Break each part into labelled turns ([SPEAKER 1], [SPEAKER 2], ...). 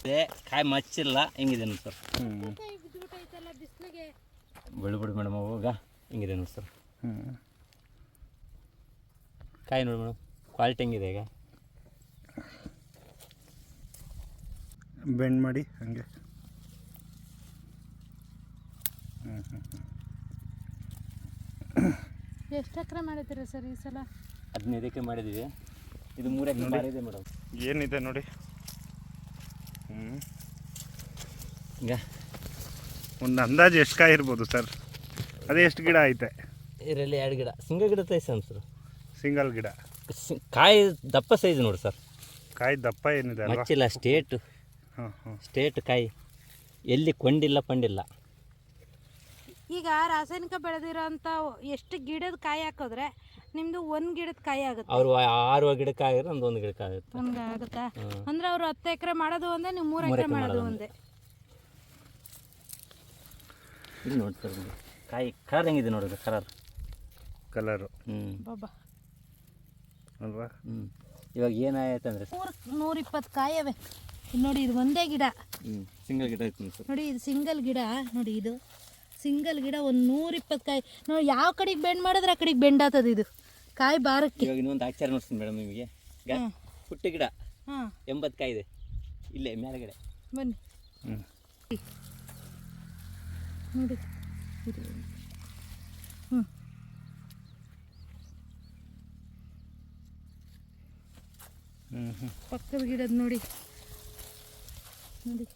[SPEAKER 1] ಕಾಯಿ ಮಚ್ಚಿಲ್ಲ ಹಿಂಗಿದೆ ನೋಡಿ ಸರ್. ಬಿಡು ಮೇಡಮ್ ಅವಾಗ ಹಿಂಗಿದೆ ನೋಡಿ ಸರ್. ಕಾಯಿ ನೋಡಿ ಮೇಡಮ್ ಕ್ವಾಲಿಟಿ ಹೆಂಗಿದೆ ಈಗ.
[SPEAKER 2] ಬೆಂಡ್ ಮಾಡಿ ಹಂಗೆ.
[SPEAKER 3] ಎಷ್ಟು ಎಕರೆ ಮಾಡಿದ್ದೀರಾ ಸರ್ ಈ ಸಲ?
[SPEAKER 1] 15 ಎಕರೆ ಮಾಡಿದ್ದೀವಿ. ಇದು 3 ಎಕರೆ ಮಾಡಿದೆ ಮೇಡಮ್.
[SPEAKER 2] ಏನಿದೆ ನೋಡಿ.
[SPEAKER 1] ಈಗ
[SPEAKER 2] ಒಂದು ಅಂದಾಜು ಎಷ್ಟು ಕಾಯಿ ಇರ್ಬೋದು ಸರ್? ಅದೇ ಎಷ್ಟು ಗಿಡ ಐತೆ
[SPEAKER 1] ಇದರಲ್ಲಿ? 2 ಗಿಡ ಸಿಂಗಲ್ ಗಿಡ ತೈಸ ಸರ್.
[SPEAKER 2] ಸಿಂಗಲ್ ಗಿಡ.
[SPEAKER 1] ಕಾಯಿ ದಪ್ಪ ಸೈಜ್ ನೋಡಿ ಸರ್.
[SPEAKER 2] ಕಾಯಿ ದಪ್ಪ ಏನಿದೆ
[SPEAKER 1] ಮಚ್ಚಿಲ್ಲ, ಸ್ಟೇಟ್ ಕಾಯಿ, ಎಲ್ಲಿ ಕೊಂಡಿಲ್ಲ ಪಂಡಿಲ್ಲ.
[SPEAKER 3] ಈಗ ರಾಸಾಯನಿಕ ಬೆಳೆದಿರೋಂಥ ಎಷ್ಟು ಗಿಡದ ಕಾಯಿ ಹಾಕಿದ್ರೆ ನಿಮ್ದು 1 ಗಿಡದ ಕಾಯಿ ಆಗುತ್ತೆ?
[SPEAKER 1] ಅವರು 6 ಗಿಡಕ್ಕೆ ಆಗಿದ್ರೆ ಒಂದು ಗಿಡಕ್ಕೆ ಆಗುತ್ತೆ.
[SPEAKER 3] ಒಂದು ಆಗುತ್ತಾ? ಅಂದ್ರೆ ಅವರು 10 ಎಕರೆ ಮಾಡೋದು ಒಂದೇ, ನೀವು 3 ಎಕರೆ ಮಾಡೋದು ಒಂದೇ.
[SPEAKER 1] ಇಲ್ಲಿ ನೋಡಿ ಸರ್ ಕಾಯಿ ಕಲರ್ ಹೆಂಗಿದೆ ನೋಡಿದ್ರೆ. ಕಲರು
[SPEAKER 3] ಬಾಬಾ
[SPEAKER 2] ಅಲ್ವಾ?
[SPEAKER 1] ಇವಾಗ ಏನಾಯ್ತು ಅಂದರೆ
[SPEAKER 3] 120 ಕಾಯಿ ಅವೆ ನೋಡಿ. ಇದು ಒಂದೇ ಗಿಡ,
[SPEAKER 1] ಸಿಂಗಲ್ ಗಿಡ ಐತೆ
[SPEAKER 3] ನೋಡಿ. ಇದು ಸಿಂಗಲ್ ಗಿಡ ನೋಡಿ. ಇದು ಸಿಂಗಲ್ ಗಿಡ ಒಂದು 120 ಕಾಯಿ ನೋಡಿ. ಯಾವ ಕಡೆಗೆ ಬೆಂಡ್ ಮಾಡಿದ್ರೆ ಆ ಕಡೆಗೆ ಬೆಂಡ್ ಆಗ್ತದೆ ಇದು ಕಾಯಿ ಬಾರಕ್ಕೆ.
[SPEAKER 1] ಇವಾಗ ಇನ್ನೊಂದು ಆಚಾರ ನೋಡ್ತೀನಿ ಮೇಡಮ್ ನಿಮಗೆ. ಪುಟ್ಟ ಗಿಡ 80 ಕಾಯಿ ಇದೆ ಇಲ್ಲೇ ಮೇಲ್ಗಡೆ.
[SPEAKER 3] ಬನ್ನಿ ನೋಡಿ. ಪಕ್ಕದ ಗಿಡದ ನೋಡಿ ನೋಡಿ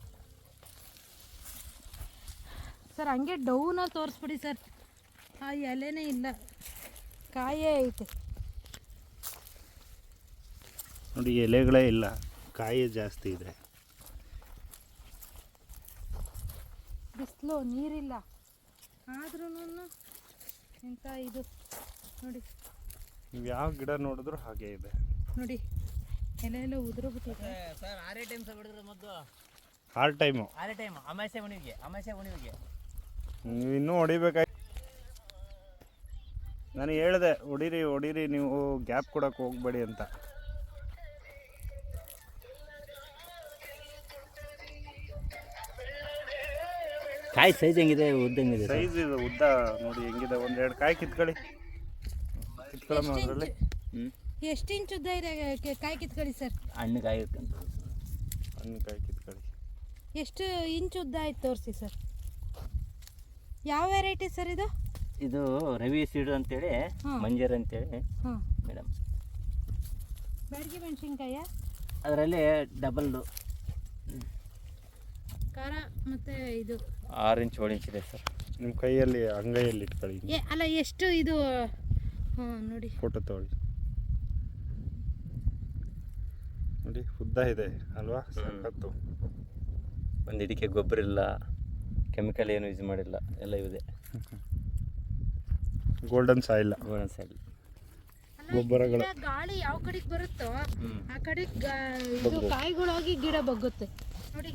[SPEAKER 3] ಸರ್. ಹಂಗೆ ಡೌನಲ್ಲಿ ತೋರಿಸ್ಬಿಡಿ ಸರ್. ಆ ಎಲೆನೇ ಇಲ್ಲ, ಕಾಯೇ ಐತೆ
[SPEAKER 2] ನೋಡಿ. ಎಲೆಗಳೇ ಇಲ್ಲ, ಕಾಯಿ ಜಾಸ್ತಿ ಇದೆ.
[SPEAKER 3] ಬಿಸಿಲು ನೀರಿಲ್ಲ ಆದ್ರೂ ಎಂಥ ಇದು ನೋಡಿ.
[SPEAKER 2] ನೀವು ಯಾವ ಗಿಡ ನೋಡಿದ್ರು ಹಾಗೆ ಇದೆ
[SPEAKER 3] ನೋಡಿ. ಎಲೆ ಎಲ್ಲ ಉದುರೋಗ್ಬಿಟ್ಟಿದೆ
[SPEAKER 1] ಸರ್. 6 ಟೈಮ್ ಸಹ ಬಿಡಿದ್ರೆ ಮೊದಲು
[SPEAKER 2] 6 ಟೈಮು.
[SPEAKER 1] 6 ಟೈಮ್ ಅಮಾಸೆ ಉಣಿವಿಗೆ
[SPEAKER 2] ನೀವು ಇನ್ನೂ ಹೊಡಿಬೇಕಾಗಿ. ನಾನು ಹೇಳಿದೆ ಹೊಡೀರಿ ನೀವು ಗ್ಯಾಪ್ ಕೊಡೋಕೆ ಹೋಗ್ಬೇಡಿ ಅಂತ.
[SPEAKER 1] ಕಾಯಿ ಸೈಜ್ ಹೆಂಗಿದೆ, ಉದ್ದ ಹೆಂಗಿದೆ?
[SPEAKER 2] ಸೈಜ್ ಇದು ಉದ್ದ ನೋಡಿ ಹೆಂಗಿದೆ. 1-2 ಕಾಯಿ ಕಿತ್ಕೊಳ್ಳೋಣ ಅದರಲ್ಲಿ.
[SPEAKER 3] ಎಷ್ಟು ಇಂಚ್ ಉದ್ದ ಇದೆ ಕಾಯಿ ಕಿತ್ಕೊಳ್ಳಿ ಸರ್.
[SPEAKER 1] ಹಣ್ಣು ಕಾಯಿ
[SPEAKER 2] ಕಿತ್ಕೊಳ್ಳಿ.
[SPEAKER 3] ಎಷ್ಟು ಇಂಚ್ ಉದ್ದ ಆಯ್ತು ತೋರಿಸಿ ಸರ್. ಯಾವ ವೆರೈಟಿ ಸರ್ ಇದು?
[SPEAKER 1] ಇದು ರವಿ ಸೀಡು ಅಂತೇಳಿ, ಮಂಜರ್ ಅಂತೇಳಿ ಮೇಡಮ್.
[SPEAKER 3] ಬ್ಯಾಡಗಿ ಮೆಣಸಿನ್ಕಾಯ
[SPEAKER 1] ಅದರಲ್ಲಿ ಡಬಲ್
[SPEAKER 3] ಖಾರ ಮತ್ತು ಇದು
[SPEAKER 1] 6 ಇಂಚ್ 7 ಇಂಚ್ ಇದೆ ಸರ್.
[SPEAKER 2] ನಿಮ್ಮ ಕೈಯಲ್ಲಿ ಅಂಗೈಯಲ್ಲಿ ಇಟ್ಕೊಳ್ಳಿ.
[SPEAKER 3] ಅಲ್ಲ ಎಷ್ಟು ಇದು ನೋಡಿ.
[SPEAKER 2] ಫೋಟೋ ತಗೊಳ್ಳಿ ನೋಡಿ. ಉದ್ದ ಇದೆ ಅಲ್ವಾ? ಸಖತ್ತು.
[SPEAKER 1] ಒಂದು ಇದಕ್ಕೆ ಗೊಬ್ಬರ ಇಲ್ಲ, ಕೆಮಿಕಲ್ ಏನು ಯೂಸ್ ಮಾಡಿಲ್ಲ, ಎಲ್ಲ ಇದೆ.
[SPEAKER 2] ಗೋಲ್ಡನ್ ಸಾಯಿಲ್ ಗೊಬ್ಬರಗಳು.
[SPEAKER 3] ಗಾಳಿ ಯಾವ ಕಡೆಗೆ ಬರುತ್ತೋ ಆ ಕಡೆ ಇದು ಕಾಯಿಗಳಾಗಿ ಗಿಡ ಬಗ್ಗುತ್ತೆ ನೋಡಿ.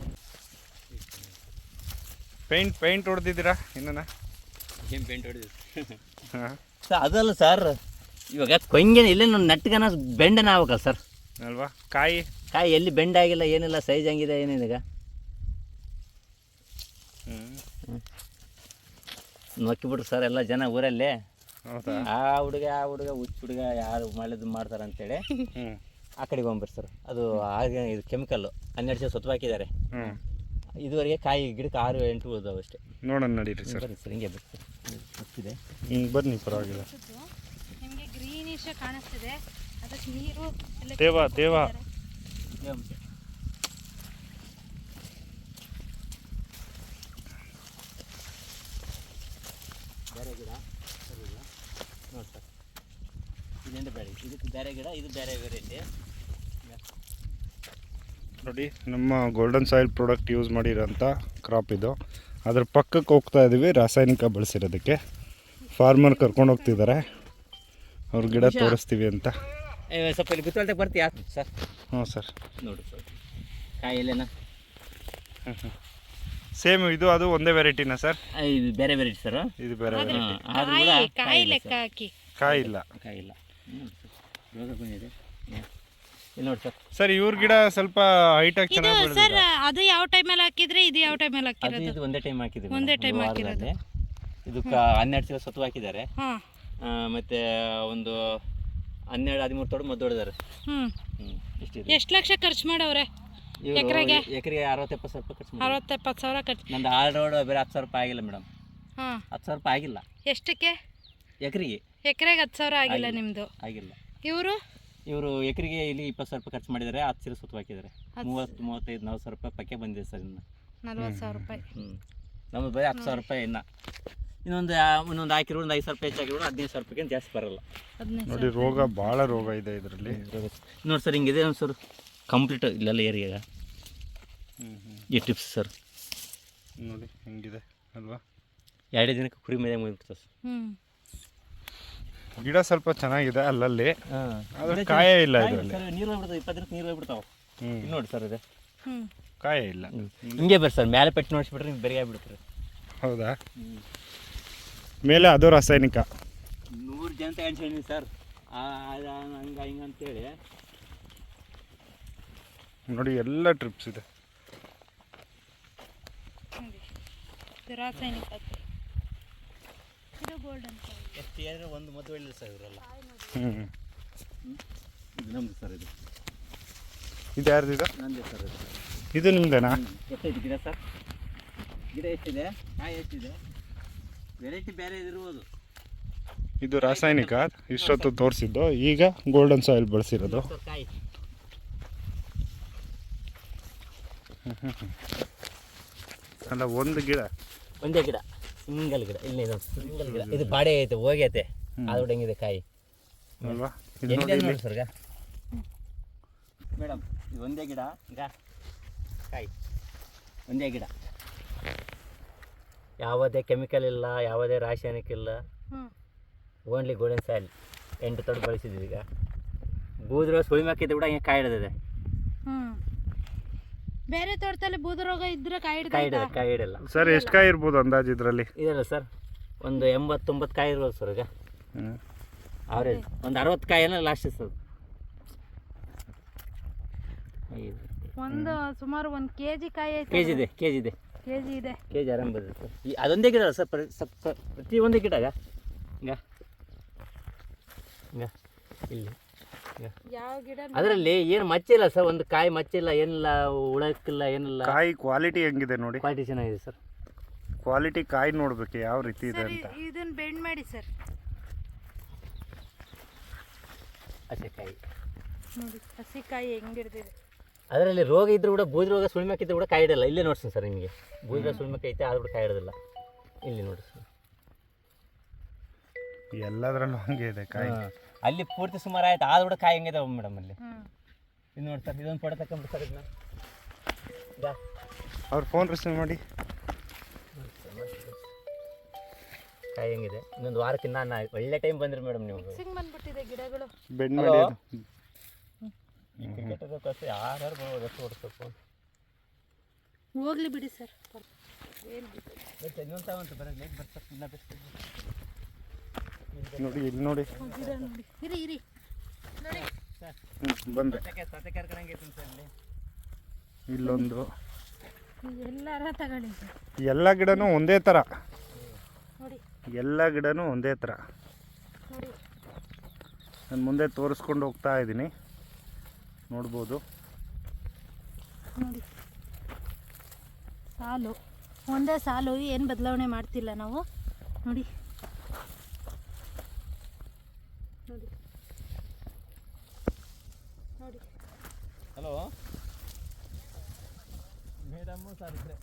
[SPEAKER 2] ಪೇಂಟ್ ಹೊಡೆದಿದ್ದೀರಾ? ಇನ್ನೂ
[SPEAKER 1] ಏನು ಪೇಂಟ್ ಹೊಡೆದಿದ್ದು ಸರ್? ಅದಲ್ಲ ಸರ್, ಇವಾಗ ಕೊಂಗೇನು ಇಲ್ಲೇ ನೆಟ್ಗನ ಬೆಂಡನ ಆಗ್ಬೇಕಲ್ಲ ಸರ್
[SPEAKER 2] ಅಲ್ವಾ? ಕಾಯಿ
[SPEAKER 1] ಎಲ್ಲಿ ಬೆಂಡ್ ಆಗಿಲ್ಲ, ಏನಿಲ್ಲ, ಸೈಜ್ ಹಂಗಿದೆ ಏನಿದೆ. ನೋಕ್ಕಿಬಿಟ್ರು ಸರ್ ಎಲ್ಲ ಜನ ಊರಲ್ಲಿ. ಆ ಹುಡುಗ ಹುಚ್ಚ ಹುಡುಗ ಯಾರು ಮಾಡಿದ್ದು ಮಾಡ್ತಾರೆ ಅಂತೇಳಿ ಆ ಕಡೆಗೆ ಹೋಗ್ಬರ್ರಿ ಸರ್. ಅದು ಆಗ ಇದು ಕೆಮಿಕಲ್ಲು 12 ವರ್ಷ ಸುತ್ತ ಹಾಕಿದ್ದಾರೆ. ಇದುವರೆಗೆ ಕಾಯಿ ಗಿಡಕ್ಕೆ 6-8 ಉಳಿದಾವೆ ಅಷ್ಟೇ.
[SPEAKER 2] ನೋಡೋಣ ನಡೀರಿ ಸರ್.
[SPEAKER 1] ಬನ್ನಿ ಸರ್, ಹಿಂಗೆ ಬರ್ತಿದೆ.
[SPEAKER 2] ಬನ್ನಿ, ಪರವಾಗಿಲ್ಲ.
[SPEAKER 3] ನಿಮಗೆ ಗ್ರೀನಿಶ್ ಕಾಣಿಸ್ತಿದೆ, ಅದಕ್ಕೆ ನೀರು
[SPEAKER 2] ದೇವ
[SPEAKER 1] ಬೇರೆ ಗಿಡ ನೋಡಿ ಸರ್. ಇದೆಂತ ಬೇರೆ, ಇದಕ್ಕೆ ಬೇರೆ ಗಿಡ, ಇದು ಬೇರೆ ವೆರೈಟಿ
[SPEAKER 2] ನೋಡಿ. ನಮ್ಮ ಗೋಲ್ಡನ್ ಸಾಯಿಲ್ ಪ್ರಾಡಕ್ಟ್ ಯೂಸ್ ಮಾಡಿರೋಂಥ ಕ್ರಾಪ್ ಇದು. ಅದ್ರ ಪಕ್ಕಕ್ಕೆ ಹೋಗ್ತಾ ಇದ್ದೀವಿ ರಾಸಾಯನಿಕ ಬಳಸಿರೋದಕ್ಕೆ. ಫಾರ್ಮರ್ ಕರ್ಕೊಂಡು ಹೋಗ್ತಿದ್ದಾರೆ, ಅವ್ರ ಗಿಡ ತೋರಿಸ್ತೀವಿ ಅಂತ.
[SPEAKER 1] ಸ್ವಲ್ಪ ಇಲ್ಲಿ ಗುತ್ತೊಳ್ತಕ್ಕೆ ಬರ್ತೀಯಾ ಸರ್?
[SPEAKER 2] ಹ್ಞೂ ಸರ್.
[SPEAKER 1] ನೋಡಿ ಸರ್ ಕಾಯಿ ಎಲ್ಲೇನಾ?
[SPEAKER 2] ಸೇಮ್ ಇದು ಅದು ಒಂದೇ ವೆರೈಟಿನಾ ಸರ್?
[SPEAKER 1] ಇದು ಬೇರೆ ವೆರೈಟಿ ಸರ್.
[SPEAKER 2] ಇದು ಬೇರೆ ವೆರೈಟಿ.
[SPEAKER 3] ಕಾಯಿ ಲೆಕ್ಕ ಹಾಕಿ
[SPEAKER 2] ಕಾಯಿ ಇಲ್ಲ.
[SPEAKER 1] ರೋಗ ಬಂದಿದೆ. ಇಲ್ಲಿ ನೋಡಿ ಸರ್,
[SPEAKER 2] ಸರ್ ಇವ್ರ ಗಿಡ ಸ್ವಲ್ಪ ಹೈಟಾಗಿ
[SPEAKER 3] ಇದು
[SPEAKER 2] ಚೆನ್ನಾಗಿ
[SPEAKER 3] ಸರ್
[SPEAKER 2] ಬೆಳೆದಿದೆ.
[SPEAKER 3] ಅದು ಯಾವ ಟೈಮಲ್ಲಿ ಹಾಕಿದ್ರೆ ಇದು ಯಾವ ಟೈಮಲ್ಲಿ
[SPEAKER 1] ಅದು
[SPEAKER 3] ಹಾಕಿರೋದು?
[SPEAKER 1] ಇದು ಒಂದೇ ಟೈಮ್ ಹಾಕಿದ್ದೀವಿ
[SPEAKER 3] ಒಂದೇ
[SPEAKER 1] ಮೇಡಮ್,
[SPEAKER 3] time
[SPEAKER 1] ಒಂದು
[SPEAKER 3] ಹಾಕಿರೋದು.
[SPEAKER 1] ವಾರದಲ್ಲಿ. ಇದು 12 ಚೀಲ ಸತ್ತು ಹಾಕಿದ್ದಾರೆ.
[SPEAKER 3] ಹಾಂ.
[SPEAKER 1] ಮತ್ತು ಒಂದು 12-13 ತೋಡು ಮದ್ದು ಹೊಡೆದಾರೆ.
[SPEAKER 3] ಹ್ಞೂ.
[SPEAKER 1] ಇಷ್ಟಿದೆ.
[SPEAKER 3] ಎಷ್ಟು ಲಕ್ಷ ಖರ್ಚು ಮಾಡವ್ರೆ
[SPEAKER 1] ಇವರು
[SPEAKER 3] ಎಕರೆಗೆ?
[SPEAKER 1] ಎಕರೆಗೆ 60-70 ಸಾವಿರ ರೂಪಾಯಿ ಖರ್ಚು ಮಾಡಿ.
[SPEAKER 3] 60-70 ಸಾವಿರ ಖರ್ಚು.
[SPEAKER 1] ನಂದು ಆಲ್ ರೋಡ್ ಬೇರೆ 10 ಸಾವಿರ ರೂಪಾಯಿ ಆಗಿಲ್ಲ ಮೇಡಮ್,
[SPEAKER 3] ಹಾಂ.
[SPEAKER 1] 10 ಸಾವಿರ ರೂಪಾಯಿ ಆಗಿಲ್ಲ
[SPEAKER 3] ಎಷ್ಟಕ್ಕೆ?
[SPEAKER 1] ಎಕರೆಗೆ.
[SPEAKER 3] ಎಕರೆಗೆ 10 ಸಾವಿರ ಆಗಿಲ್ಲ ನಿಮ್ಮದು?
[SPEAKER 1] ಆಗಿಲ್ಲ.
[SPEAKER 3] ಇವರು
[SPEAKER 1] ಎಕರೆಗೆ ಇಲ್ಲಿ 20 ಸಾವಿರ ರೂಪಾಯಿ ಖರ್ಚು ಮಾಡಿದ್ದಾರೆ, 10 ಚೀಲ ಸುತ್ತು ಹಾಕಿದ್ದಾರೆ. 30-35-40 ಸಾವಿರ ರೂಪಾಯಿ ಪಕ್ಕೆ ಬಂದಿದೆ ಸರ್. ಇನ್ನು
[SPEAKER 3] 40 ಸಾವಿರ ರೂಪಾಯಿ.
[SPEAKER 1] ನಮ್ಮದು ಬರೀ 10 ಸಾವಿರ ರೂಪಾಯಿ. ಇನ್ನೊಂದು ಹಾಕಿರೋ ಒಂದು 5 ಸಾವಿರ ರೂಪಾಯಿ ಹೆಚ್ಚಾಗಿರೋ 15 ಸಾವಿರ ರೂಪಾಯಿಗೆ ಜಾಸ್ತಿ ಬರಲ್ಲ.
[SPEAKER 3] 15
[SPEAKER 2] ನೋಡಿ ರೋಗ ಭಾಳ ರೋಗ ಇದೆ ಇದರಲ್ಲಿ.
[SPEAKER 1] ನೋಡಿ ಸರ್, ಹಿಂಗಿದೆ ಸರ್ ಕಂಪ್ಲೀಟ್ ಇಲ್ಲೆಲ್ಲ ಏರಿಯಾಗ ಈ ಟಿಪ್ಸ್ ಸರ್.
[SPEAKER 2] ನೋಡಿ ಹೆಂಗಿದೆ ಅಲ್ವಾ?
[SPEAKER 1] 2 ದಿನಕ್ಕೆ ಕುರಿ ಮೇಲೆ ಮುಗಿಬಿಡ್ತದೆ ಸರ್.
[SPEAKER 2] ಗಿಡ ಸ್ವಲ್ಪ ಚೆನ್ನಾಗಿದೆ ಅಲ್ಲಲ್ಲಿ, ಆದ್ರೆ ಕಾಯ ಇಲ್ಲ ಇದರಲ್ಲಿ.
[SPEAKER 1] ನೀರು ಹೋಗ್ಬಿಡ್ತಾವೆ, 20 ದಿನಕ್ಕೆ ನೀರು ಹೋಗ್ಬಿಡ್ತಾವೆ. ಇಲ್ಲಿ ನೋಡಿ ಸರ್, ಇದೆ
[SPEAKER 2] ಕಾಯ ಇಲ್ಲ.
[SPEAKER 1] ಹಿಂಗೆ ಬರ್ರಿ ಸರ್, ಮೇಲೆ ಪೆಟ್ಟು ನೋಡಿಸ್ಬಿಟ್ರೆ ನಿಮ್ಗೆ ಬೆರಿಗೆ ಆಗ್ಬಿಡ್ತಾರೆ.
[SPEAKER 2] ಹೌದಾ? ಮೇಲೆ ಅದು ರಾಸಾಯನಿಕ.
[SPEAKER 1] 100 ಜನ ತಗೊಂಡು ಸರ್, ಹಂಗೆ ಹಿಂಗೆ ಅಂತೇಳಿ.
[SPEAKER 2] ನೋಡಿ ಎಲ್ಲ ಟ್ರಿಪ್ಸ್ ಇದೆ.
[SPEAKER 3] ರಾಸಾಯನಿಕ. ಇದು ಗೋಲ್ಡನ್
[SPEAKER 1] ಎಷ್ಟು ಏನಾದ್ರು ಒಂದು ಮದ್ದು ಒಳ್ಳೆ ಸರ್ ಇವರೆಲ್ಲ. ಇದು ನಮ್ಮದು ಸರ್.
[SPEAKER 2] ಇದು ಯಾರ್ದು? ಇದು
[SPEAKER 1] ನಂದೇ ಸರ್.
[SPEAKER 2] ಇದು ನಿಮ್ದೇನಾ?
[SPEAKER 1] ಎಷ್ಟೈತೆ ಗಿಡ ಸರ್? ಗಿಡ ಎಷ್ಟಿದೆ, ಕಾಯಿ ಎಷ್ಟಿದೆ, ವೆರೈಟಿ ಬೇರೆ ಇದಿರ್ಬೋದು.
[SPEAKER 2] ಇದು ರಾಸಾಯನಿಕ ಇಷ್ಟೊತ್ತು ತೋರಿಸಿದ್ದು, ಈಗ ಗೋಲ್ಡನ್ ಸಾಯಿಲ್ ಬಳಸಿರೋದು.
[SPEAKER 1] ಕಾಯಿ
[SPEAKER 2] ಅಲ್ಲ, ಒಂದು ಗಿಡ,
[SPEAKER 1] ಒಂದೇ ಗಿಡ, ಸಿಂಗಲ್ ಗಿಡ. ಇಲ್ಲಿ ಸಿಂಗಲ್ ಗಿಡ. ಇದು ಬಾಡೆ ಐತೆ, ಹೋಗೈತೆ, ಆದ್ರೂ ಹೆಂಗಿದೆ ಕಾಯಿ
[SPEAKER 2] ಅಲ್ವಾ?
[SPEAKER 1] ನೋಡಿ ಸರ್. ಮೇಡಮ್, ಇದು ಒಂದೇ ಗಿಡ, ಈಗ ಕಾಯಿ ಒಂದೇ ಗಿಡ. ಯಾವುದೇ ಕೆಮಿಕಲ್ ಇಲ್ಲ, ಯಾವುದೇ ರಾಸಾಯನಿಕ ಇಲ್ಲ, ಓನ್ಲಿ ಗೋಲ್ಡನ್ ಸಾಯಿಲ್. 8 ತೊಡೆ ಬಳಸಿದ್ದೀವಿ. ಈಗ ಬೂದ್ರ ಸುಳಿಮೆ ಹಾಕಿದ್ದು ಕೂಡ ಹಿಂಗೆ ಕಾಯಿ ಹಿಡಿದಿದೆ.
[SPEAKER 3] ಬೇರೆ ತೋಟದಲ್ಲಿ ಬೂದ ರೋಗ ಇದ್ರೆ ಕಾಯಿ
[SPEAKER 1] ಹಿಡಲ್ಲ
[SPEAKER 2] ಸರ್. ಎಷ್ಟು ಕಾಯಿ ಇರ್ಬೋದು ಅಂದಾಜು ಇದರಲ್ಲಿ?
[SPEAKER 1] ಇದಲ್ಲ ಸರ್, ಒಂದು 80-90 ಕಾಯಿ ಇರ್ಬೋದು ಸರ್. ಈಗ ಅವರೇಜ್ ಒಂದು 60 ಕಾಯಿನ ಲಾಸ್ಟ್ ಸರ್.
[SPEAKER 3] ಒಂದು ಸುಮಾರು 1 kg ಕಾಯಿ ಐತೆ.
[SPEAKER 1] ಕೆಜಿ ಇದೆ. ಕೆಜಿ ಆರಾಮ್ ಬರುತ್ತೆ ಸರ್. ಅದೊಂದೇ ಗಿಡ ಅಲ್ಲ ಸರ್, ಪ್ರತಿ ಒಂದೇ ಗಿಡ. ಈಗ ಇಲ್ಲಿ
[SPEAKER 3] ಯಾವ ಗಿಡ
[SPEAKER 1] ಅದರಲ್ಲಿ ಏನು ಮಚ್ಚಿಲ್ಲ ಸರ್, ಒಂದು ಕಾಯಿ ಮಚ್ಚಿಲ್ಲ, ಏನಿಲ್ಲ, ಉಳಕ್ಕಿಲ್ಲ, ಏನಿಲ್ಲ.
[SPEAKER 2] ಕಾಯಿ ಕ್ವಾಲಿಟಿ ಹೆಂಗಿದೆ ನೋಡಿ.
[SPEAKER 1] ಕ್ವಾಲಿಟಿ ಚೆನ್ನಾಗಿದೆ ಸರ್.
[SPEAKER 2] ಕ್ವಾಲಿಟಿ ಕಾಯಿ ನೋಡ್ಬೇಕು ಯಾವ ರೀತಿ ಇದೆ ಅಂತ.
[SPEAKER 3] ಇದನ್ನ ಬೆಂಡ್ ಮಾಡಿ ಸರ್.
[SPEAKER 1] ಹಸಿಕಾಯಿ
[SPEAKER 3] ನೋಡಿ, ಹಸಿಕಾಯಿ ಹೆಂಗಿರ್ದಿದೆ.
[SPEAKER 1] ಅದರಲ್ಲಿ ರೋಗ ಇದ್ರೂ ಕೂಡ, ಬೂದಿ ರೋಗ ಸುಳಿಮಕ್ಕಿದ್ರು ಕೂಡ ಕಾಯಿ ಇಡಲ್ಲ. ಇಲ್ಲೇ ನೋಡ್ತೀನಿ ಸರ್, ನಿಮಗೆ ಬೂದಿ ರೋಗ ಸುಳಿಮಕ್ಕೆ ಐತೆ, ಆದ್ರೂ ಕೂಡ ಕಾಯಿ ಇಡೋದಿಲ್ಲ. ಇಲ್ಲಿ ನೋಡಿ ಸರ್,
[SPEAKER 2] ಎಲ್ಲದರಲ್ಲೂ ಹಂಗೆ ಇದೆ ಕಾಯಿ.
[SPEAKER 1] ಅಲ್ಲಿ ಪೂರ್ತಿ ಸುಮಾರು ಆಯ್ತು, ಆದ್ರೂ ಕೂಡ ಕಾಯಿ ಹೆಂಗಿದೆ ಮೇಡಮ್ ಅಲ್ಲಿ. ಇದು ನೋಡಿ ಸರ್, ಇದೊಂದು ಫೋಟೋ ತಗೊಂಡು ಸರ್. ಇದನ್ನ
[SPEAKER 2] ಅವ್ರ ಫೋನ್ ರಿಸೀವ್ ಮಾಡಿ.
[SPEAKER 1] ಕಾಯಿ ಹೆಂಗಿದೆ. ಇನ್ನೊಂದು ವಾರಕ್ಕಿಂತ ನಾನು ಒಳ್ಳೆ ಟೈಮ್ ಬಂದ್ರಿ ಮೇಡಮ್. ನೀವು
[SPEAKER 3] ಬಂದ್ಬಿಟ್ಟಿದೆ ಗಿಡಗಳು.
[SPEAKER 2] ಬೆಂಡ್ ಮಾಡಿ
[SPEAKER 1] ಕ್ರಿಕೆಟರ್ ಕಷ್ಟ ಯಾರು ಬರ್ಬೋದು, ಎಷ್ಟು ಓಡಿಸ್ಬೇಕು.
[SPEAKER 3] ಹೋಗ್ಲಿ ಬಿಡಿ ಸರ್.
[SPEAKER 1] ಇನ್ನೊಂದು ತಗೊಂತ ಬರೋದು ಲೇಟ್ ಬರ್ತಾರೆ. ಇನ್ನ ಬೆಸ್ಟ್
[SPEAKER 2] ನೋಡಿ, ಇಲ್ಲಿ ನೋಡಿ.
[SPEAKER 3] ಗಿಡ ನೋಡಿ. ಇರಿ ನೋಡಿ.
[SPEAKER 2] ಬಂದೆ.
[SPEAKER 1] ಸತೆ ಕರ್ಕೊಂಡಂಗೆ ಐತೆ ಸರ್. ಇಲ್ಲಿ
[SPEAKER 2] ಇಲ್ಲೊಂದು.
[SPEAKER 3] ಎಲ್ಲಾರ ತಗೊಳ್ಳಿ ಸರ್.
[SPEAKER 2] ಎಲ್ಲ ಗಿಡನೂ ಒಂದೇ ಥರ.
[SPEAKER 3] ನೋಡಿ,
[SPEAKER 2] ಎಲ್ಲ ಗಿಡನೂ ಒಂದೇ ಥರ.
[SPEAKER 3] ನೋಡಿ,
[SPEAKER 2] ನಾನು ಮುಂದೆ ತೋರಿಸ್ಕೊಂಡು ಹೋಗ್ತಾ ಇದ್ದೀನಿ, ನೋಡ್ಬೋದು.
[SPEAKER 3] ನೋಡಿ, ಸಾಲು ಒಂದೇ ಸಾಲು, ಏನು ಬದಲಾವಣೆ ಮಾಡ್ತಿಲ್ಲ ನಾವು. ನೋಡಿ ನೋಡಿ ನೋಡಿ.
[SPEAKER 1] ಹಲೋ ಮೇಡಮ್ ಸರ್, ಇದ್ರೆ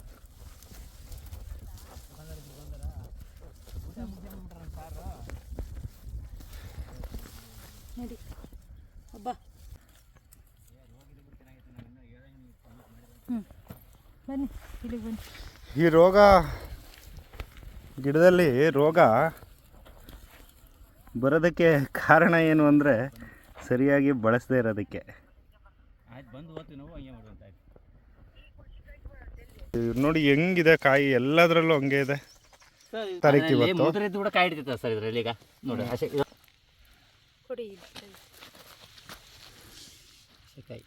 [SPEAKER 3] ನೋಡಿ ಅಬ್ಬಾ. ಬನ್ನಿ ಇಲ್ಲಿಗೆ ಬನ್ನಿ.
[SPEAKER 2] ಈ ರೋಗ, ಗಿಡದಲ್ಲಿ ರೋಗ ಬರೋದಕ್ಕೆ ಕಾರಣ ಏನು ಅಂದರೆ ಸರಿಯಾಗಿ ಬಳಸದೇ ಇರೋದಕ್ಕೆ.
[SPEAKER 1] ಆಯ್ತು, ಬಂದು ಹೋಗ್ತೀವಿ ನಾವು, ಹಂಗೆ ಮಾಡುವಂತ ಆಯ್ತು.
[SPEAKER 2] ನೋಡಿ ಹೆಂಗಿದೆ ಕಾಯಿ, ಎಲ್ಲದರಲ್ಲೂ ಹಂಗೆ ಇದೆ. ತಾರೀಕು ಇವತ್ತು
[SPEAKER 1] ಮುದ್ರೆದ್ದು ಕೂಡ ಕಾಯಿ ಹಿಡಿತೈತೆ ಸರ್ ಇದರಲ್ಲಿ. ಈಗ ನೋಡಿ,
[SPEAKER 3] ಕೊಡಿ.
[SPEAKER 1] ಕಾಯಿ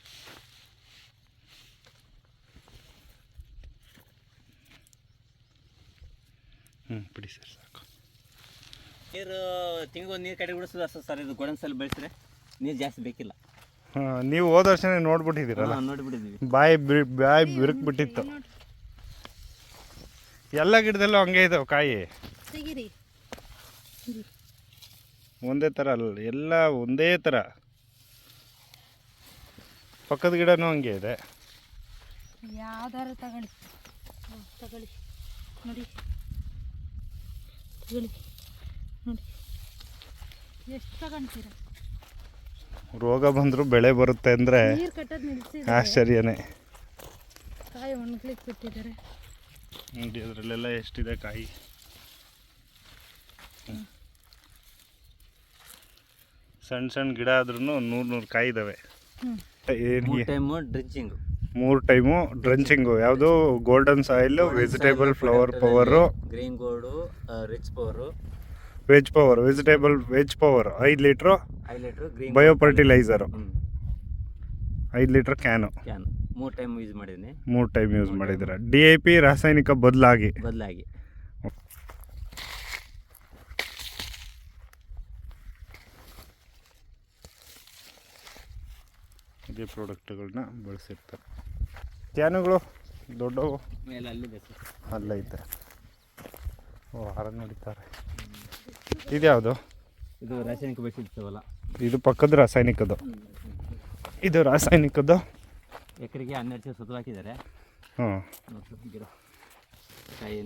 [SPEAKER 2] ಬಿಡಿ ಸರ್ ಸಾಕು.
[SPEAKER 1] ನೀರು ತಿಂಗಳು ನೀರು ಕಡೆ ಬಿಡಿಸೋದು ಅಷ್ಟು ಸರ್. ಇದು ಗೋಡನ್ ಸಲ ಬೆಳೆಸಿದ್ರೆ ನೀರು ಜಾಸ್ತಿ ಬೇಕಿಲ್ಲ.
[SPEAKER 2] ನೀವು ಹೋದ ವರ್ಷನೇ ನೋಡ್ಬಿಟ್ಟಿದ್ದೀರಲ್ಲ,
[SPEAKER 1] ನೋಡಿಬಿಟ್ಟಿದ್ವಿ.
[SPEAKER 2] ಬಾಯಿ ಬಿರುಕ್ಬಿಟ್ಟಿತ್ತು. ಎಲ್ಲ ಗಿಡದಲ್ಲೂ ಹಂಗೆ ಇದಾವೆ ಕಾಯಿ,
[SPEAKER 3] ತೆಗಿರಿ.
[SPEAKER 2] ಒಂದೇ ಥರ ಅಲ್ಲ, ಎಲ್ಲ ಒಂದೇ ಥರ. ಪಕ್ಕದ ಗಿಡನೂ ಹಂಗೆ ಇದೆ.
[SPEAKER 3] ಯಾವ್ದಾರು ತಗೊಳ್ಳಿ, ತಗೊಳ್ಳಿ ನೋಡಿ, ತಗೊಳ್ಳಿ ನೋಡಿ, ಎಷ್ಟು ತಗೊಂತೀರ?
[SPEAKER 2] ರೋಗ ಬಂದರೂ ಬೆಳೆ ಬರುತ್ತೆ ಅಂದರೆ
[SPEAKER 3] ನೀರು ಕಟ್ಟೋದು ನಿಲ್ಲಿಸಿ
[SPEAKER 2] ಆಶ್ಚರ್ಯನೇ.
[SPEAKER 3] ಕಾಯಿ ಒಣಗ್ಲಿಕ್ಕೆ ಬಿಟ್ಟಿದ್ದಾರೆ
[SPEAKER 2] ನೋಡಿ, ಅದರಲ್ಲೆಲ್ಲ ಎಷ್ಟಿದೆ ಕಾಯಿ. ಸಣ್ಣ ಸಣ್ಣ ಗಿಡ ಆದ್ರೂ 100 ಕಾಯಿ ಇದ್ದಾವೆ. ಮೂರು ಟೈಮು ಡ್ರಂಚಿಂಗು. ಯಾವುದು golden soil, vegetable flower power,
[SPEAKER 1] green gold, rich power,
[SPEAKER 2] veg power, veg power 5 litre,
[SPEAKER 1] 5 litre green
[SPEAKER 2] bio fertiliser 5 litre can.
[SPEAKER 1] 3 time use ಮಾಡಿದ್ದೀನಿ.
[SPEAKER 2] 3 ಟೈಮ್ ಯೂಸ್ ಮಾಡಿದ್ದೀರ. DAP ರಾಸಾಯನಿಕ ಬದಲಾಗಿ ಇದೇ ಪ್ರಾಡಕ್ಟ್ಗಳನ್ನ ಬಳಸಿರ್ತಾರೆ. ಕ್ಯಾನುಗಳು ದೊಡ್ಡವು
[SPEAKER 1] ಮೇಲೆ ಅಲ್ಲಿದೆ ಸರ್,
[SPEAKER 2] ಅಲ್ಲೈತೆ. ಓ, ಹಾರ ನಡೀತಾರೆ. ಇದ್ಯಾವುದು?
[SPEAKER 1] ಇದು ರಾಸಾಯನಿಕ ಬೆಳೆಸಿರ್ತವಲ್ಲ,
[SPEAKER 2] ಇದು ಪಕ್ಕದ ರಾಸಾಯನಿಕದ್ದು. ಇದು ರಾಸಾಯನಿಕದ್ದು
[SPEAKER 1] ಎಕರೆಗೆ 12 ಸುತ್ತು ಹಾಕಿದ್ದಾರೆ.
[SPEAKER 2] ಹಾಂ,
[SPEAKER 1] ಗಿಡ ಕಾಯಿ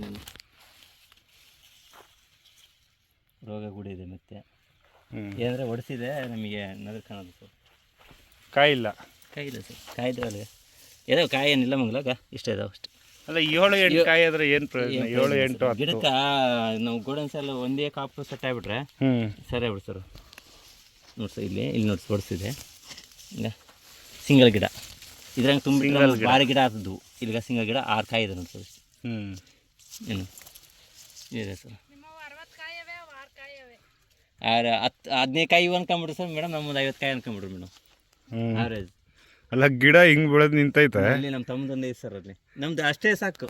[SPEAKER 1] ರೋಗ ಕೂಡ ಇದೆ. ಮತ್ತೆ ಏನಂದರೆ ಒಡಿಸಿದೆ ನಮಗೆ ನಗರ ಕಾಣೋದು ಸರ್.
[SPEAKER 2] ಕಾಯಿ ಇಲ್ಲ,
[SPEAKER 1] ಕಾಯಿ ಇಲ್ಲ ಸರ್. ಕಾಯಿ ಇದಾವಲ್ಲ, ಏನೋ ಕಾಯಿ ಏನಿಲ್ಲ ಮಂಗಲಾಗ ಇಷ್ಟ ಇದಾವೆ ಅಷ್ಟೇ.
[SPEAKER 2] ಅಲ್ಲ 7-8 ಕಾಯಿ ಆದರೆ ಏನು ಪ್ರಯೋಜನ? 7-8 10
[SPEAKER 1] ಗಿಡಕ್ಕೆ ನಾವು ಗೋಡನ್ ಸಲ ಒಂದೇ ಕಾಪು ಸೆಟ್ ಆಗಿಬಿಟ್ರೆ ಸರಿ ಆಗ್ಬಿಡು ಸರ್. ನೋಡಿ ಸರ್, ಇಲ್ಲಿ ನೋಡಿ ಹೊಡಿಸಿದೆ. ಈಗ ಸಿಂಗಲ್ ಗಿಡ ಇದ್ರಂಗೆ ತುಂಬ ಭಾರಿ ಗಿಡ ಆಗ್ತದ್ದು. ಇಲ್ಲಿಗ ಸಿಂಗಲ್ ಗಿಡ 6 ಕಾಯಿ ಇದೆ ನೋಡಿ ಸರ್. ಏನು ಇದೆ ಸರ್, 15 ಕಾಯಿ ಅನ್ಕೊಂಬಿಡ್ರಿ ಸರ್ ಮೇಡಮ್. ನಮ್ಮದು 50 ಕಾಯಿ ಅನ್ಕೊಂಬಿಡ್ರಿ ಮೇಡಮ್ ಆವ್ರೇಜ್.
[SPEAKER 2] ಅಲ್ಲ ಗಿಡ ಹಿಂಗೆ ಬೆಳೆದು ನಿಂತೈತೆ.
[SPEAKER 1] ಅಲ್ಲಿ ನಮ್ಮ ತಮ್ಮದೊಂದು ಐತೆ ಸರ್, ಅಲ್ಲಿ ನಮ್ದು ಅಷ್ಟೇ ಸಾಕು.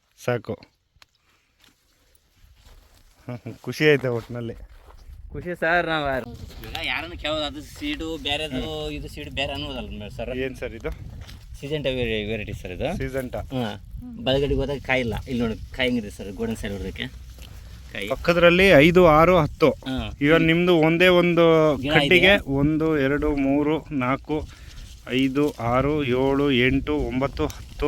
[SPEAKER 2] ಖುಷಿ ಐತೆ ಒಟ್ಟಿನಲ್ಲಿ.
[SPEAKER 1] ಖುಷಿ ಸರ್. ನಾವು ಯಾರನ್ನು ಕೇಳೋದು, ಅದು ಸೀಡು ಬೇರೆದು, ಇದು ಸೀಡು ಬೇರೆ ಅನ್ನೋದಲ್ಲ ಸರ್.
[SPEAKER 2] ಏನು ಸರ್ ಇದು?
[SPEAKER 1] ಸೀಜೆಂಟಾ ವೆರೈಟಿ ಸರ್ ಇದು.
[SPEAKER 2] ಸೀಜೆಂಟಾ.
[SPEAKER 1] ಹಾಂ, ಬಲಗಡೆಗೆ ಹೋದಾಗ ಕಾಯಿ ಇಲ್ಲ. ಇಲ್ಲಿ ನೋಡಿ ಕಾಯಿ ಹೆಂಗಿದೆ ಸರ್, ಗೋಡನ್ ಸೈಡ್ ಹೊಡೆದಕ್ಕೆ ಕಾಯಿ.
[SPEAKER 2] ಪಕ್ಕದಲ್ಲಿ 5, 6, 10. ಈಗ ನಿಮ್ಮದು ಒಂದೇ ಒಂದು ಕಟ್ಟಿಗೆ 1, 2, 3, 4, 5, 6, 7, 8, 9, 10,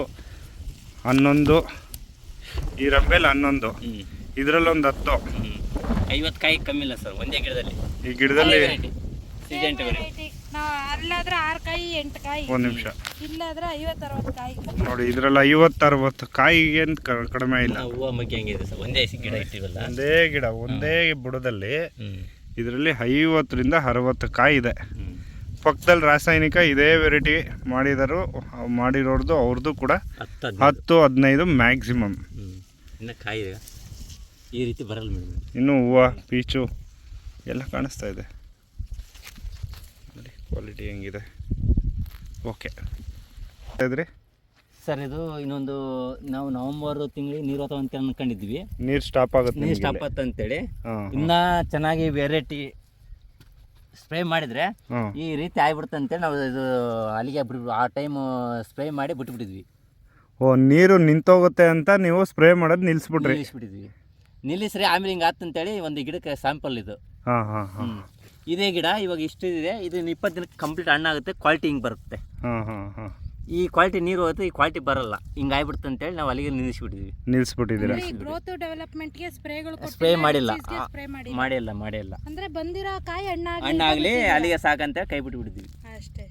[SPEAKER 2] 11. ಈ ರಂಬೆಲ್ 11. ಇದರಲ್ಲೊಂದು 10.
[SPEAKER 1] 50 ಕಾಯಿ ಕಮ್ಮಿ ಇಲ್ಲ ಸರ್ ಒಂದೇ ಗಿಡದಲ್ಲಿ.
[SPEAKER 2] ಈ ಗಿಡದಲ್ಲಿ
[SPEAKER 1] ಸೀಜೆಂಟಾ ವೆರೈಟಿ.
[SPEAKER 3] ಅಲ್ಲಾದ್ರೆ 6 ಕಾಯಿ 8 ಕಾಯಿ.
[SPEAKER 2] ಒಂದು ನಿಮಿಷ.
[SPEAKER 3] ಇಲ್ಲಾದ್ರೆ 50-60 ಕಾಯಿ.
[SPEAKER 2] ನೋಡಿ, ಇದರಲ್ಲಿ 50-60 ಕಾಯಿಗೇನು ಕಡಿಮೆ ಇಲ್ಲ.
[SPEAKER 1] ಹೂವು ಮಗ್ಗಿ ಹಂಗಿದೆ ಸರ್, ಒಂದೇ ಗಿಡ ಇಟ್ಟಿವಲ್ಲ,
[SPEAKER 2] ಒಂದೇ ಗಿಡ ಒಂದೇ ಬುಡದಲ್ಲಿ. ಇದರಲ್ಲಿ 50ರಿಂದ 60 ಕಾಯಿ ಇದೆ. ಪಕ್ಕದಲ್ಲಿ ರಾಸಾಯನಿಕ ಇದೇ ವೆರೈಟಿ ಮಾಡಿರೋರ್ದು ಅವ್ರದ್ದು ಕೂಡ 10-15 ಮ್ಯಾಕ್ಸಿಮಮ್.
[SPEAKER 1] ಇನ್ನು ಕಾಯಿ ಈ ರೀತಿ ಬರಲ್ಲ ಮೇಡಮ್.
[SPEAKER 2] ಇನ್ನು ಹೂವು ಪೀಚು ಎಲ್ಲ ಕಾಣಿಸ್ತಾ ಇದೆ ನೋಡಿ, ಕ್ವಾಲಿಟಿ ಹೆಂಗಿದೆ. ಓಕೆ ಇದ್ರಿ
[SPEAKER 1] ಸರ್, ಇದು ಇನ್ನೊಂದು ನಾವು ನವೆಂಬರ್ ತಿಂಗಳಿಗೆ ನೀರು ಹೋಗ್ತಾವ ಅಂತ ಅನ್ಕೊಂಡಿದ್ವಿ.
[SPEAKER 2] ನೀರು ಸ್ಟಾಪ್ ಆಗುತ್ತೆ,
[SPEAKER 1] ನೀರು ಸ್ಟಾಪ್ ಆಗುತ್ತೆ ಅಂತೇಳಿ ಇನ್ನೂ ಚೆನ್ನಾಗಿ ವೆರೈಟಿ ಸ್ಪ್ರೇ ಮಾಡಿದರೆ ಈ ರೀತಿ ಆಗಿಬಿಡುತ್ತೆ ಅಂತೇಳಿ ನಾವು ಇದು ಅಲ್ಲಿಗೆ ಬಿಟ್ಬಿಟ್ಟು ಆ ಟೈಮ್ ಸ್ಪ್ರೇ ಮಾಡಿ ಬಿಟ್ಬಿಟ್ಟಿದ್ವಿ.
[SPEAKER 2] ಓ, ನೀರು ನಿಂತೋಗುತ್ತೆ ಅಂತ ನೀವು ಸ್ಪ್ರೇ ಮಾಡೋದು ನಿಲ್ಲಿಸ್ಬಿಟ್ಟಿದ್ವಿ.
[SPEAKER 1] ನಿಲ್ಲಿಸ್ರಿ ಆಮೇಲೆ ಹಿಂಗೆ ಆತಂತೇಳಿ ಒಂದು ಗಿಡಕ್ಕೆ ಸ್ಯಾಂಪಲ್ ಇದು. ಇದೇ ಗಿಡ ಇವಾಗ ಇಷ್ಟು ಇದೆ. ಇದು 20 ದಿನಕ್ಕೆ ಕಂಪ್ಲೀಟ್ ಹಣ್ಣಾಗುತ್ತೆ. ಕ್ವಾಲಿಟಿ ಹಿಂಗೆ ಬರುತ್ತೆ. ಈ ಕ್ವಾಲಿಟಿ ನೀರು ಹೋಗುತ್ತೆ, ಈ ಕ್ವಾಲಿಟಿ ಬರಲ್ಲ. ಹಿಂಗೆ ಆಗ್ಬಿಡುತ್ತೆ ಅಂತೇಳಿ ನಾವು ಅಲ್ಲಿಗೆ
[SPEAKER 2] ನಿಲ್ಲಿಸ್ಬಿಟ್ಟಿದ್ದೀರಾ.
[SPEAKER 3] ಗ್ರೋತ್ ಡೆವಲಪ್ಮೆಂಟ್ಗೆ
[SPEAKER 1] ಸ್ಪ್ರೇ ಮಾಡಿಲ್ಲ.
[SPEAKER 3] ಅಂದ್ರೆ ಬಂದಿರೋ ಕಾಯಿ
[SPEAKER 1] ಹಣ್ಣಾಗ್ಲಿ ಅಲ್ಲಿಗೆ ಸಾಕಂತ ಕೈ ಬಿಟ್ಬಿಟ್ಟಿದ್ವಿ
[SPEAKER 3] ಅಷ್ಟೇ.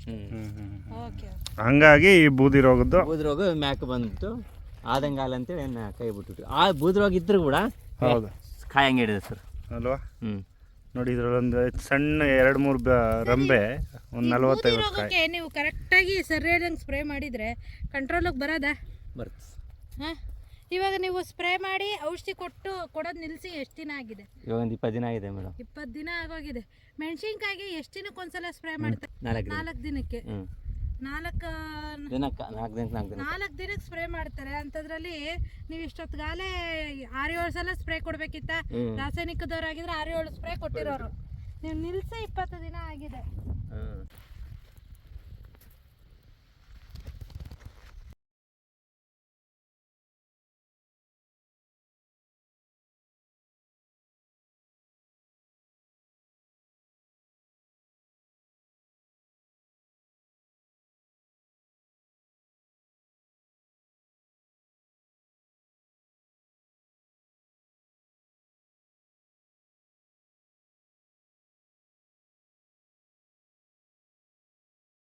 [SPEAKER 2] ಹಂಗಾಗಿ ಈ ಬೂದಿ ರೋಗ
[SPEAKER 1] ಮ್ಯಾಕ್ ಬಂದ್ಬಿಟ್ಟು ಆದಂಗೆ ಹಾಲು ಅಂತೇಳಿ ಕೈ ಬಿಟ್ಬಿಟ್ಟು ಆ ಬೂದಿ ರೋಗ ಇದ್ರೂ ಕೂಡ
[SPEAKER 2] ಹೌದು
[SPEAKER 1] ಕಾಯಿ ಹಂಗೆ ಹಿಡಿದೆ ಸರ್
[SPEAKER 2] ಅಲ್ವಾ. ನೋಡಿ, ಇದ್ರಲ್ಲೊಂದು ಸಣ್ಣ 2-3 ರಂಬೆ, ಒಂದು 40-50 ಕಾಯಿ.
[SPEAKER 3] ನೀವು ಕರೆಕ್ಟಾಗಿ ಸರಿಯಾದಂಗೆ ಸ್ಪ್ರೇ ಮಾಡಿದರೆ ಕಂಟ್ರೋಲಿಗೆ ಬರುತ್ತೆ. ಹಾಂ, ಇವಾಗ ನೀವು ಸ್ಪ್ರೇ ಮಾಡಿ ಔಷಧಿ ಕೊಡೋದು ನಿಲ್ಲಿಸಿ ಎಷ್ಟು ದಿನ ಆಗಿದೆ?
[SPEAKER 1] ಇವಾಗ ಒಂದು 20 ದಿನ ಆಗಿದೆ ಮೇಡಮ್.
[SPEAKER 3] 20 ದಿನ ಆಗೋಗಿದೆ. ಮೆಣಸಿನ್ಕಾಯಿಗೆ ಎಷ್ಟು ದಿನಕ್ಕೆ ಒಂದ್ಸಲ ಸ್ಪ್ರೇ ಮಾಡ್ತಾರೆ? 4 ದಿನಕ್ಕೆ.
[SPEAKER 1] ದಿನಕ್ಕೆ 4 ದಿನಕ್ಕೆ
[SPEAKER 3] ನಾಲ್ಕು ದಿನಕ್ಕೆ ಸ್ಪ್ರೇ ಮಾಡ್ತಾರೆ ಅಂತದ್ರಲ್ಲಿ ನೀವು ಇಷ್ಟೊತ್ತಿಗಾಲೇ 6-7 ಸಲ ಸ್ಪ್ರೇ ಕೊಡ್ಬೇಕಿತ್ತ. ರಾಸಾಯನಿಕದವ್ರಾಗಿದ್ರೆ 6-7 ಸ್ಪ್ರೇ ಕೊಟ್ಟಿರೋರು, ನೀವು ನಿಲ್ಸಿ 20 ದಿನ ಆಗಿದೆ.